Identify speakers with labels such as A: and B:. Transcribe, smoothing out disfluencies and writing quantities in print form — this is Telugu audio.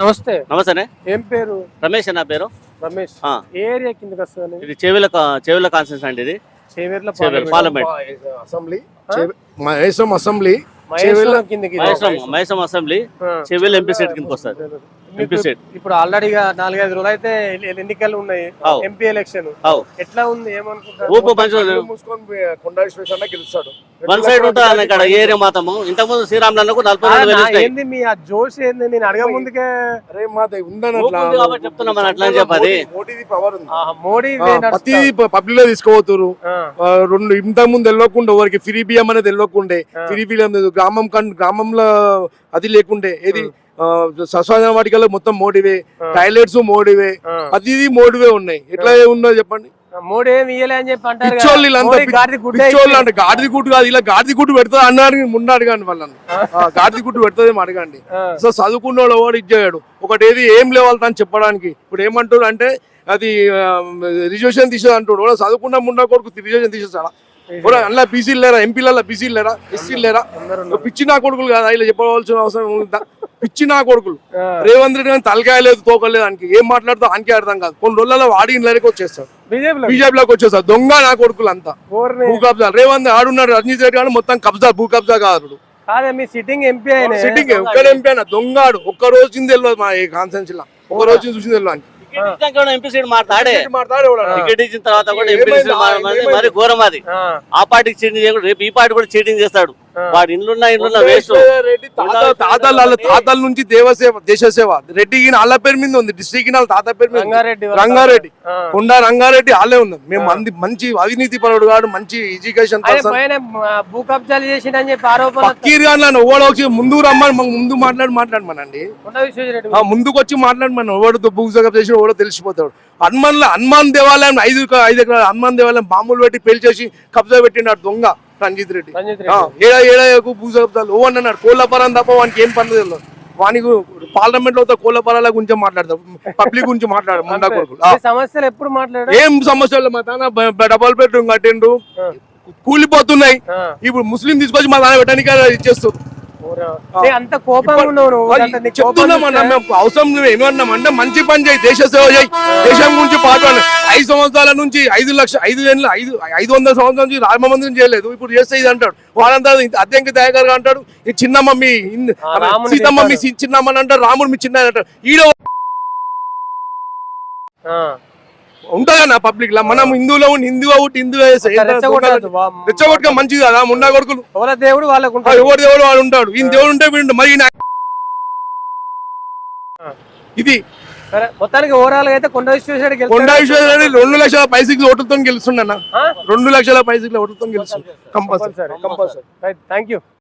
A: నమస్తే.
B: నమస్తే.
A: ఏం పేరు?
B: రమేష్ నా పేరు.
A: రమేష్. ఏ ఏరియా కిందకి వస్తుంది?
B: ఇది చెవిల కాన్స్టిట్యూన్సీ అండి. ఇది
A: Chevella
B: parliament
C: assembly Maheshwaram assembly
B: Maheshwaram assembly Chevella MP seat కిందకి వస్తుంది.
A: ఇప్పుడు ఆల్రెడీ 4-5 రోజులు అయితే ఎన్నికలు ఉన్నాయి. ఎంపీ ఎలక్షన్ ఎట్లా ఉంది? ఏమనుకుంటారు?
C: గెలుస్తాడు.
B: వన్ సైడ్ ఉంటుంది ఇక్కడ ఏరియా మాత్రము. ఇంతకుముందు శ్రీరాములకు 42,000
A: ఏంది మీ ఆ జోష్ ఏంది? నేను అడగ ముందుకే
B: చెప్తున్నా మన అట్లా అని చెప్పది.
A: మోడీ
C: పబ్లిక్ లో తీసుకోవతురు. రెండు ఇంతకు ముందు వెళ్ళకుండా ఎవరికి ఫ్రీ బియ్యం అనేది వెళ్ళకుండే. ఫ్రీ బియ్యం గ్రామంలో అది లేకుండే. ఏది శ్మశాన వాటికల్లో మొత్తం మోడీవే, టాయిలెట్స్ మోడీవే, అది మోడీవే ఉన్నాయి. ఎట్లా ఉన్నదో చెప్పండి.
A: మోడీ ఏమి ఇయ్యలే అని చెప్పి అంటారు.
C: పిచ్చోళ్ళు అంటే గాడిది గుట్టు కాదు, ఇలా గాడిది గుట్టు పెడతా అన్నాడు. ముందు అడగండి వాళ్ళని, గాడిది గుట్టు పెడతాదేమో అడగండి. సో చదువుకున్నాడు ఎవడు ఇచ్చాడు. ఒకటి ఏది ఏం లేవాలి అని చెప్పడానికి. ఇప్పుడు ఏమంటారు అంటే అది రిజర్వేషన్ తీసేది అంటాడు. చదువుకున్న ముండా కొడుకు రిజర్వేషన్ తీసేస్తాడా? అలా బీసీలు లేరా? ఎంపీలలో బీసీలు లేరా? ఎస్సీలు లేరా? పిచ్చి నా కొడుకులు కదా ఇలా చెప్పవలసిన అవసరం ఉందా? పిచ్చి నా కొడుకులు. రేవంత్ రెడ్డి కానీ తలకాయ లేదు, తోకలేదు. దానికి ఏం మాట్లాడుతూ ఆయనకే అర్థం కాదు. కొన్ని రోజులలో వాడి ఇంట్లోకి వచ్చేస్తారు, బీజేపీలోకి వచ్చేస్తారు. దొంగ నా కొడుకులు అంతా భూ కబ్జా. రేవంత్ ఆడున్నాడు, రజనీత్ రెడ్డి కానీ మొత్తం కబ్జా, భూ కబ్జా కాదు.
A: సిట్టింగ్ ఎంపీ
C: సిట్టింగ్ ఒక్క ఎంపీ అయినా దొంగాడు. ఒక్క రోజు తెలియదు మా కాన్సెన్స్ లా, ఒక్క రోజు చూసింది తెలియదు.
B: ఎంపీ సీట్ మాట్లాడే టికెట్ ఇచ్చిన తర్వాత కూడా ఎంపీ మరి ఘోరం అది. ఆ పార్టీకి చీటింగ్ చేయకుండా రేపు ఈ పార్టీ కూడా చీటింగ్ చేస్తాడు. వాడు ఇండ్లున్నా వేస్ట్.
C: తాతల నుంచి దేశ సేవ రెడ్డి వాళ్ళ పేరు మీద ఉంది. డిస్ట్రిక్ట్ తాత పేరు మీద రంగారెడ్డి, కొండా రంగారెడ్డి వాళ్ళే ఉంది. మేము మంచి అవినీతి పరుడు కాదు, మంచి ఎడ్యుకేషన్
A: భూ కబ్జాలు చేసిండని చెప్పి ఆరోపణ.
C: పక్కీర్ వచ్చి ముందు రమ్మని ముందు మాట్లాడమనండి. ముందుకు వచ్చి మాట్లాడమని ఎవడు భూ కబ్జా చేసి ఎవడో తెలిసిపోతాడు. హనుమాన్ దేవాలయం 5 ఎకరాల హనుమాన్ దేవాలయం బాంబులు పెట్టి పేల్చేసి కబ్జా పెట్టినాడు దొంగ రంజిత్ రెడ్డి. ఏడాకు భూ కబ్జాలు ఓ అన్నాడు. కోళ్ళపరం తప్ప వానికి ఏం పని తెలియదు. వానికి పార్లమెంట్ లో కోళ్ళపరాల గురించి మాట్లాడతాం, పబ్లిక్ గురించి మాట్లాడు. ముండా కొడుకులు
A: సమస్యలు ఎప్పుడు మాట్లాడారు?
C: ఏం సమస్యలు? మా తాన డబల్ బెడ్రూమ్ కట్టిండు, కూలిపోతున్నాయి. ఇప్పుడు ముస్లిం తీసుకొచ్చి మా తాన పెట్టడానికి ఇచ్చేస్తారు.
A: అంత కోపంగా
C: చెప్తున్నామన్నా మేము. అవసరం ఏమన్నామంటే మంచి పని చేయి, దేశ సేవ చేయి, దేశం గురించి పాటు. 5 సంవత్సరాల నుంచి 500 సంవత్సరాల నుంచి రామ మందిరం చేయలేదు, ఇప్పుడు చేస్తే ఇది అంటాడు. వాళ్ళంతా అద్దెంకి దయాకర్గా అంటాడు. ఈ చిన్న మమ్మీ సీతమ్మ మీ చిన్నమ్మని అంటారు, రాముడు మీ చిన్న అంటారు. ఈడ ఉంటుందా పబ్లిక్ లా? మనం హిందువులో రెచ్చగొట్టుగా మంచిది కదా. ముండా కొడుకులు
A: ఎవరి దేవుడు వాళ్ళకు
C: ఎవరి దేవుడు వాడు ఉంటాడు. ఈయన దేవుడు ఉంటే వీడు మరి ఇది.
A: మొత్తానికి ఓవరాల్ గా అయితే కొండా విశ్వేశ్వరరెడ్డి
C: 2 లక్షల పైసలు ఓటుతో గెలుస్తుండన్న. 2 లక్షల పైసలు ఓటుతో గెలుస్తుంది కంపల్సరీ.
A: Thank you.